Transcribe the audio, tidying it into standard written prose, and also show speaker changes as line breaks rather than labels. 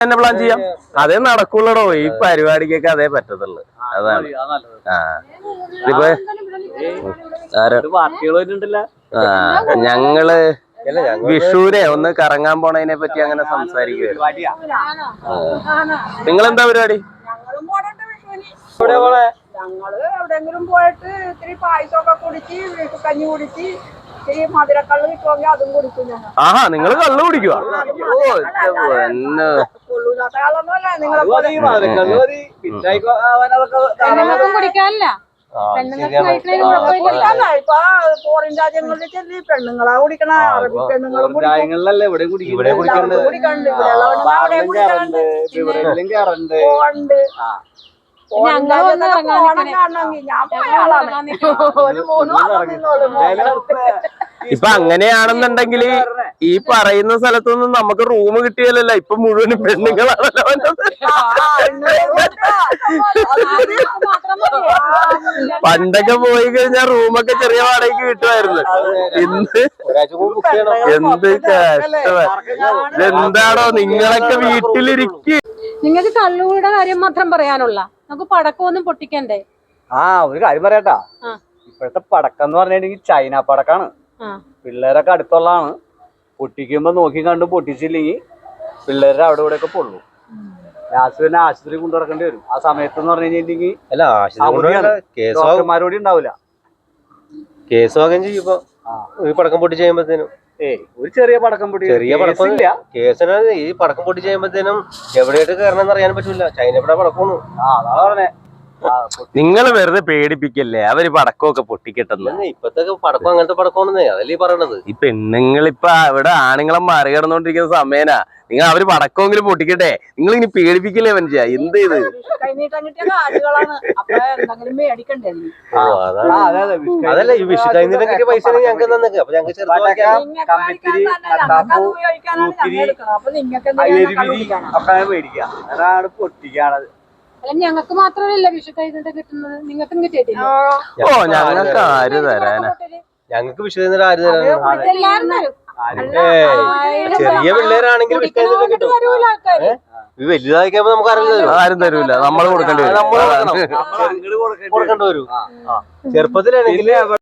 തന്നെ പ്ലാൻ ചെയ്യാം. അതേ നടക്കുള്ളടോ, ഈ പരിപാടിക്കൊക്കെ അതേ പറ്റത്തുള്ളു. അതാണ്. ഞങ്ങള് വിഷുവിനെ ഒന്ന് കറങ്ങാൻ പോണതിനെ പറ്റി അങ്ങനെ സംസാരിക്കുവായിരുന്നു. നിങ്ങളെന്താ പരിപാടി?
ഞങ്ങള് എവിടെയെങ്കിലും പോയിട്ട് ഇത്തിരി പായസമൊക്കെ കുടിച്ച് കഞ്ഞി കുടിച്ച് ഇത്തിരി മധുരക്കള്ള് കിട്ടുമെങ്കിൽ അതും കുടിക്കും ഞങ്ങൾ.
ആഹാ, നിങ്ങള് കള്ള് കുടിക്കുക?
കൊള്ളൂല്ലാത്ത ആളൊന്നുമല്ല നിങ്ങളെ
കുടിക്കാനല്ല.
ഇപ്പൊ ഫോറിൻ രാജ്യങ്ങളിൽ ചെല്ലി പെണ്ണുങ്ങളാ കുടിക്കണ, അറബി പെണ്ണുങ്ങളും കുടിക്കണ്ട്.
ഇപ്പൊ അങ്ങനെയാണെന്നുണ്ടെങ്കിൽ ഈ പറയുന്ന സ്ഥലത്തൊന്നും നമുക്ക് റൂം കിട്ടിയല്ലോ. ഇപ്പൊ മുഴുവനും പെണ്ണുങ്ങളാണല്ലോ. പണ്ടൊക്കെ പോയി കഴിഞ്ഞാൽ റൂമൊക്കെ ചെറിയ വാടകയ്ക്ക് കിട്ടുമായിരുന്നു. ഇന്ന് എന്ത് കഷ്ടമാണ്. എന്താണോ നിങ്ങളൊക്കെ വീട്ടിലിരിക്കും.
നിങ്ങൾക്ക് കള്ളുകൂടെ കാര്യം മാത്രം പറയാനുള്ള, നമുക്ക് പടക്കമൊന്നും പൊട്ടിക്കണ്ടേ?
ഒരു കാര്യം പറയാട്ടാ, ഇപ്പോഴത്തെ പടക്കം എന്ന് പറഞ്ഞിട്ടുണ്ടെങ്കിൽ ചൈന പടക്കാണ്. പിള്ളേരൊക്കെ അടുത്തുള്ളതാണ്. പൊട്ടിക്കുമ്പോ നോക്കി കണ്ട് പൊട്ടിച്ചില്ലെങ്കിൽ പിള്ളേരുടെ അവിടെ ഇവിടെ ഒക്കെ പൊള്ളു. ലാസ്റ്റ് പിന്നെ ആശുപത്രി കൊണ്ടു നടക്കേണ്ടി വരും. ആ സമയത്ത് എന്ന് പറഞ്ഞു കഴിഞ്ഞിട്ടുണ്ടെങ്കിൽ ഡോക്ടർമാരോട് ഉണ്ടാവില്ല.
കേസ് വാങ്ങുകയും ചെയ്യുമ്പോ പടക്കം പൊട്ടി ചെയ്യുമ്പോഴത്തേനും
ഒരു ചെറിയ പടക്കം പൊട്ടി,
ചെറിയ പടക്കം കേസിന് ഈ പടക്കം പൊട്ടി ചെയ്യുമ്പോഴത്തേനും എവിടെയായിട്ട് കയറണമെന്ന് അറിയാൻ പറ്റൂല. ചൈനയുടെ പടക്കമാണ്.
അതാ പറഞ്ഞേ.
നിങ്ങൾ വെറുതെ പേടിപ്പിക്കല്ലേ, അവര് പടക്കമൊക്കെ പൊട്ടിക്കിട്ടുന്ന.
ഇപ്പത്തെ പടക്കം അങ്ങനത്തെ പടക്കമാണെന്നേ അതല്ലേ പറയണത്.
ഈ പെണ്ണുങ്ങളിപ്പൊ അവിടെ ആണുങ്ങളെ മറികടന്നോണ്ടിരിക്കുന്ന സമയനാ. നിങ്ങൾ അവര് പടക്കമെങ്കിലും പൊട്ടിക്കട്ടെ. നിങ്ങൾ ഇനി പേടിപ്പിക്കല്ലേ മനുഷ്യ. എന്ത് ചെയ്ത്
അതല്ല ഈ വിഷു കഴിഞ്ഞിട്ട് കിട്ടിയ പൈസ ഞങ്ങൾക്ക് തന്നേക്ക്. അപ്പൊ ഞങ്ങൾക്ക്
അതാണ് പൊട്ടിക്കാണത്.
ഞങ്ങൾക്ക് മാത്രമല്ല വിഷു കഴിഞ്ഞിട്ട് കിട്ടുന്നത്, നിങ്ങൾക്കും കിട്ടിയിട്ടില്ല.
ഓ, ഞങ്ങൾക്ക് ആര് തരാനാ?
ഞങ്ങൾക്ക് വിഷു കഴിഞ്ഞിട്ട് ആര് തരാനാണ്? ചെറിയ പിള്ളേരാണെങ്കിൽ വലുതായിക്കുമ്പോ നമുക്ക്
ആരും തരൂല. നമ്മൾ കൊടുക്കേണ്ടി വരും.
കൊടുക്കേണ്ടി വരും. ചെറുപ്പത്തിലാണെങ്കിൽ